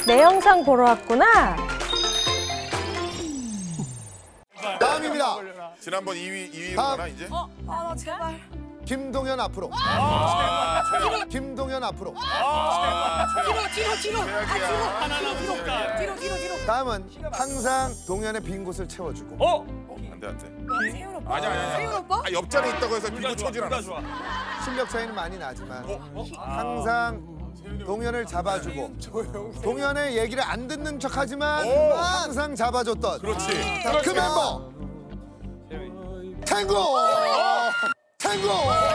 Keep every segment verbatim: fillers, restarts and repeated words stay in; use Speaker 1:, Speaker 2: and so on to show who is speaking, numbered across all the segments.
Speaker 1: 내 영상 보러 왔구나.
Speaker 2: 다음입니다.
Speaker 3: 지난번 이 위, 이 위구나
Speaker 2: 다음.
Speaker 3: 이제?
Speaker 1: 어, 아, 나 제발.
Speaker 2: 김동현 앞으로.
Speaker 3: 아, 최악.
Speaker 2: 김동현 앞으로.
Speaker 3: 아, 최악.
Speaker 1: 뒤로, 뒤로, 뒤로. 아, 뒤로.
Speaker 4: 하나나 무섭다.
Speaker 1: 뒤로, 뒤로, 뒤로.
Speaker 2: 다음은 항상 동현의 빈 곳을 채워주고.
Speaker 4: 어?
Speaker 3: 어, 안 돼, 안 돼.
Speaker 1: 세훈 오빠.
Speaker 3: 아니야, 아니야.
Speaker 1: 세훈 오빠?
Speaker 3: 아, 옆자리에 있다고 해서 비고 쳐질
Speaker 4: 둘다
Speaker 3: 않았어.
Speaker 4: 좋아.
Speaker 2: 실력 차이는 많이 나지만
Speaker 3: 어?
Speaker 2: 항상 동현을 잡아주고 동현의 얘기를 안 듣는 척하지만
Speaker 3: 오.
Speaker 2: 항상 잡아줬던
Speaker 3: 그렇지.
Speaker 2: 자, 그 멤버 탱고 탱고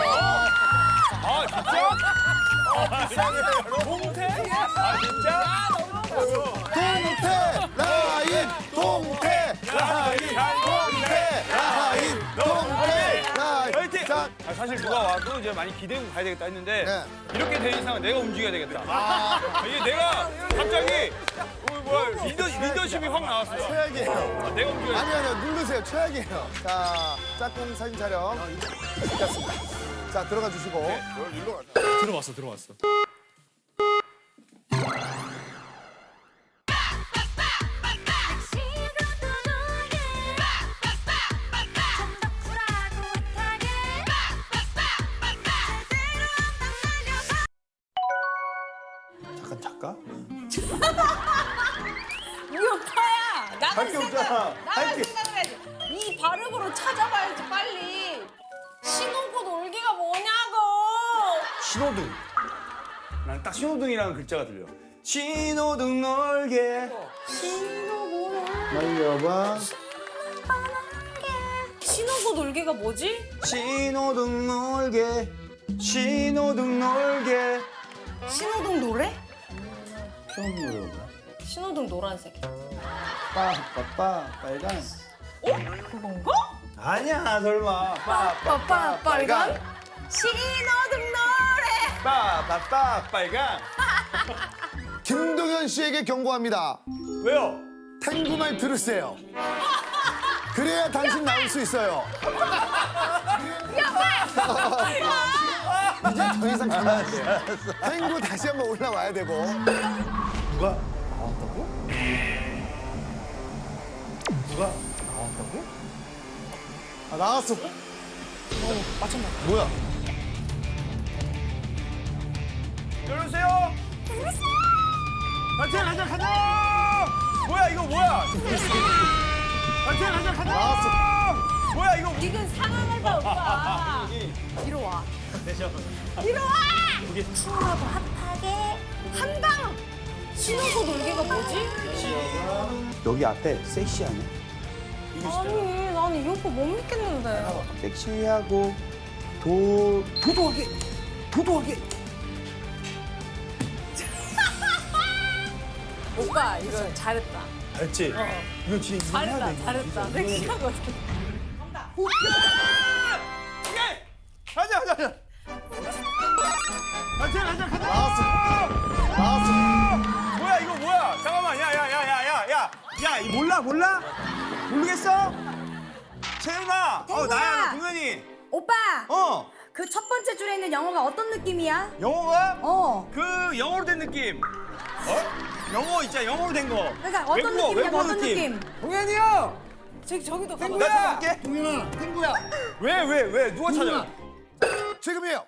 Speaker 4: 아 진짜? 동태? 아 진짜?
Speaker 2: 동태 라인 동태 라인 동태 라인 동태 라인
Speaker 4: 화이팅!
Speaker 2: 자,
Speaker 4: 아, 사실 누가 와도 이제 많이 기대고 가야 되겠다 했는데
Speaker 2: 네.
Speaker 4: 이렇게 된 이상은 내가 움직여야 되겠다. 아, 이게 내가 갑자기 어, 뭐야 리더, 리더십이 확 나왔어요.
Speaker 2: 최악이에요.
Speaker 4: 아, 내가 움직여야
Speaker 2: 아니 아니요 누르세요 최악이에요. 자 짝꿍 사진 촬영 시작습니다. 자 들어가 주시고
Speaker 3: 너 일로 가자.
Speaker 4: 들어왔어 들어왔어.
Speaker 2: 잠깐 잠깐.
Speaker 1: 이 오빠야. 나갈
Speaker 2: 할게
Speaker 1: 생각.
Speaker 2: 없잖아.
Speaker 1: 나갈
Speaker 2: 할게.
Speaker 1: 생각을 해야지. 이 발음으로 찾아봐야지 빨리. 신호고 놀기가 뭐냐고.
Speaker 4: 신호등. 난 딱 신호등이라는 글자가 들려. 신호등 놀게.
Speaker 1: 신호고
Speaker 2: 말려봐.
Speaker 1: 신호고 놀기가 뭐지?
Speaker 4: 신호등 놀게. 신호등 놀게.
Speaker 1: 신호등 노래?
Speaker 2: 처음 노래가
Speaker 1: 신호등 노란색.
Speaker 2: 빠빠빠 빨간.
Speaker 1: 어? 그건가?
Speaker 4: 아니야 설마.
Speaker 1: 빠빠빠 빨간 신호등 노래.
Speaker 4: 빠빠빠 빨강.
Speaker 2: 김동현 씨에게 경고합니다.
Speaker 4: 왜요?
Speaker 2: 탱구 말 들으세요. 그래야 당신 나올 수 있어요. 이제 더 이상 가면 안 돼. 탱구 다시 한번 올라와야 되고.
Speaker 4: 누가 나왔다고? 누가 나왔다고?
Speaker 2: 아 나왔어.
Speaker 1: 맞췄나?
Speaker 2: 뭐야?
Speaker 4: 열으세요. 가자 가자 가자. 뭐야 이거 뭐야? 가자 가자 가자.
Speaker 2: 나왔어.
Speaker 4: 뭐야 이거?
Speaker 1: 이건 상황을 봐 오빠. 뒤로 와. 뒤로 와. 춤하고 핫하게 한강. 신호고 놀기가 뭐지?
Speaker 5: 여기 앞에 섹시하네.
Speaker 1: 아니 나는 이 오빠 못 믿겠는데.
Speaker 5: 섹시하고 도 도도하게 도도하게.
Speaker 1: 오빠 이거 잘했다.
Speaker 4: 알지? 이거 진짜
Speaker 1: 잘했다 잘했다. 섹시하거든.
Speaker 4: 오케이. 가자 가자 가자. 가자 가자 가자.
Speaker 2: 나왔어. 나왔어.
Speaker 4: 뭐야 이거 뭐야? 잠깐만 야야야야야야 야 이 몰라 몰라? 모르겠어? 채윤아 어 나야 동현이
Speaker 6: 오빠,
Speaker 4: 어
Speaker 6: 그 첫 번째 줄에 있는 영어가 어떤 느낌이야?
Speaker 4: 영어가
Speaker 6: 어.
Speaker 4: 그 영어로 된 느낌 어? 영어 있잖아 영어로 된거
Speaker 6: 그러니까 어떤 느낌이야? 어떤 느낌?
Speaker 4: 동현이 형!
Speaker 1: 저기 저기도 가봐.
Speaker 4: 나 찾아갈게 동현아 탱구야 왜 왜 왜 누가 찾아?
Speaker 2: 지금이에요.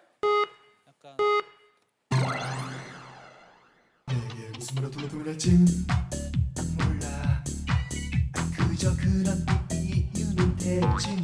Speaker 7: 내게 웃음으로 돌아돌아진 몰라 그저 그런 이유는 대체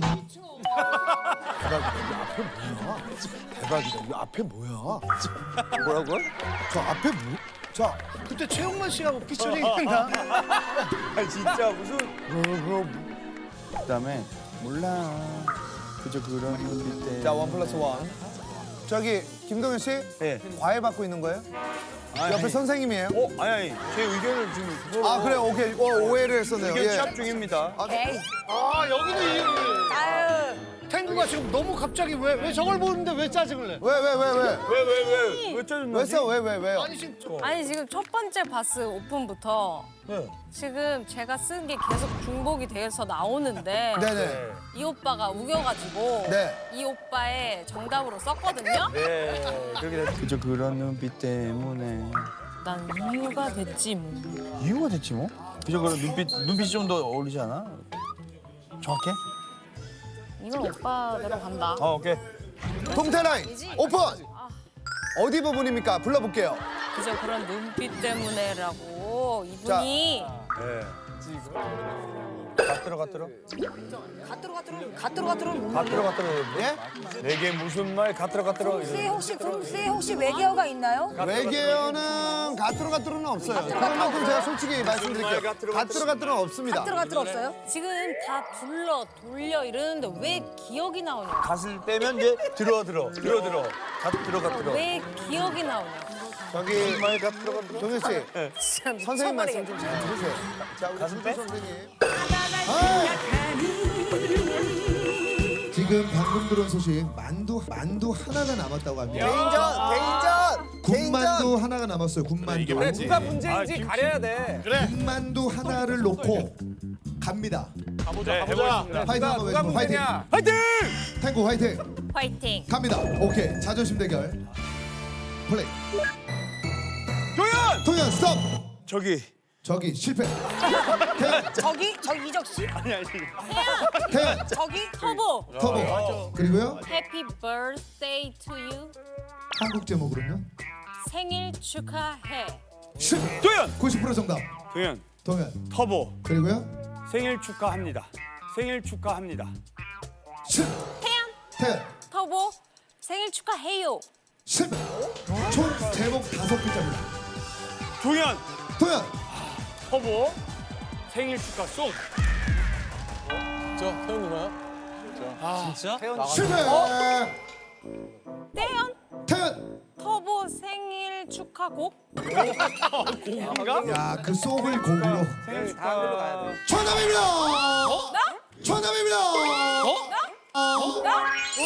Speaker 2: 대박이다. 이 앞에 뭐야? 뭐라고요? 저 앞에 뭐? 자,
Speaker 7: 그때 최영만 씨하고 피처링 했나?
Speaker 4: 아 진짜 무슨
Speaker 5: 그다음에 몰라. 그저 그런 눈빛 때.
Speaker 2: 자, 원 플러스 원. 저기 김동현 씨,
Speaker 4: 네.
Speaker 2: 과외 받고 있는 거예요?
Speaker 4: 아니,
Speaker 2: 옆에
Speaker 4: 아니.
Speaker 2: 선생님이에요?
Speaker 4: 어? 아니 아니 제 의견을 지금 그거로
Speaker 2: 아, 그래, 오케이. 어, 오해를 했었네요.
Speaker 4: 의견
Speaker 2: 예.
Speaker 4: 취합 중입니다
Speaker 1: 에이.
Speaker 7: 아 여기도 이
Speaker 1: 아유.
Speaker 7: 탱구가 지금 너무 갑자기 왜 왜 저걸 보는데 왜 짜증을 내?
Speaker 2: 왜, 왜, 왜, 왜?
Speaker 4: 왜 왜 왜 왜 짜증나지?
Speaker 2: 왜 써? 왜, 왜, 왜요?
Speaker 7: 아니 지금 저-
Speaker 1: 아니 지금 첫 번째 바스 오픈부터
Speaker 4: 네.
Speaker 1: 지금 제가 쓴 게 계속 중복이 돼서 나오는데
Speaker 2: 네네.
Speaker 1: 이 오빠가 우겨가지고
Speaker 2: 네.
Speaker 1: 이 오빠의 정답으로 썼거든요.
Speaker 4: 네 그렇게 됐
Speaker 5: 그저 그런 눈빛 때문에
Speaker 1: 난 이유가 됐지 뭐.
Speaker 5: 이유가 됐지 뭐. 그죠? 그럼 눈빛 눈빛이 좀 더 어울리지 않아? 정확해?
Speaker 1: 이건 오빠대로 간다.
Speaker 5: 어 오케이.
Speaker 2: 동태라인 오픈. 어디 부분입니까? 불러볼게요.
Speaker 1: 그저 그런 눈빛 때문에라고 이분이
Speaker 5: 갓들어 갓들어.
Speaker 6: 갓들어 갓들어 갓들어 갓들어는 뭔
Speaker 5: 갓들어
Speaker 6: 말이야?
Speaker 5: 갓들어.
Speaker 2: 예?
Speaker 5: 내게 무슨 말 갓들어 갓들어.
Speaker 6: 씨 혹시 금씨 혹시 외계어가 있나요?
Speaker 2: 외계어는 가뚜로 가뚜로는 없어요. 그만큼 제가 솔직히 말씀드릴게요. 가뚜로 가뚜로는 없습니다.
Speaker 6: 갓들어 갓들어 없어요?
Speaker 1: 지금 다 불러 돌려 이러는데 왜 기억이 나오냐?
Speaker 5: 갓을 빼면 이제 들어 들어 들어 들어 갓들어 갓들어.
Speaker 1: 왜 기억이 나오냐?
Speaker 2: 저기
Speaker 5: 말 갓들어 갓들어.
Speaker 2: 동현 씨
Speaker 1: 진짜
Speaker 2: 선생님 말씀
Speaker 1: 미쳐버리겠다.
Speaker 2: 좀 잘 들으세요. 자 우리
Speaker 5: 가슴
Speaker 2: 준주
Speaker 5: 빼?
Speaker 2: 선생님. 지금 방금 들은 소식 만두 만두 하나가 남았다고 합니다.
Speaker 8: 개인전, 개인전,
Speaker 2: 군만두 하나가 남았어요. 군만두.
Speaker 3: 이게 맞지?
Speaker 4: 누가 문제인지 가려야 돼.
Speaker 2: 군만두 하나를 놓고 갑니다.
Speaker 3: 가보자 가보자.
Speaker 2: 화이팅 한번
Speaker 4: 누가
Speaker 2: 외치고 화이팅.
Speaker 4: 문제냐? 화이팅!
Speaker 2: 탱고 화이팅.
Speaker 1: 화이팅.
Speaker 2: 갑니다. 오케이 자존심 대결. 플레이.
Speaker 4: 도현!
Speaker 2: 동현 스톱.
Speaker 5: 저기
Speaker 2: 저기 실패. 태연
Speaker 6: 저기 저기 이적 씨?
Speaker 2: 태연
Speaker 6: 저기
Speaker 1: 터보.
Speaker 2: 터보. 그리고요
Speaker 1: Happy birthday to you.
Speaker 2: 한국 제목으로는요.
Speaker 1: 생일 축하해.
Speaker 2: 십.
Speaker 4: 도현!
Speaker 2: 구십 퍼센트 정답.
Speaker 4: 도현,
Speaker 2: 동현.
Speaker 4: 터보.
Speaker 2: 그리고요.
Speaker 4: 생일 축하합니다. 생일 축하합니다.
Speaker 2: 십.
Speaker 1: 태연
Speaker 2: 태연.
Speaker 1: 터보 생일 축하해요.
Speaker 2: 실패. 총 제목 다섯 글자입니다.
Speaker 4: 도현,
Speaker 2: 동현.
Speaker 4: 터보. 생일 축하 송.
Speaker 2: 실패.
Speaker 1: 태연
Speaker 2: 태연.
Speaker 1: 터보 생일 축하곡.
Speaker 2: 야, 그 속을 곡으로.
Speaker 4: 생일 축하. 다음 걸로 가야 돼.
Speaker 2: 정답입니다. 정답입니다.
Speaker 1: 나?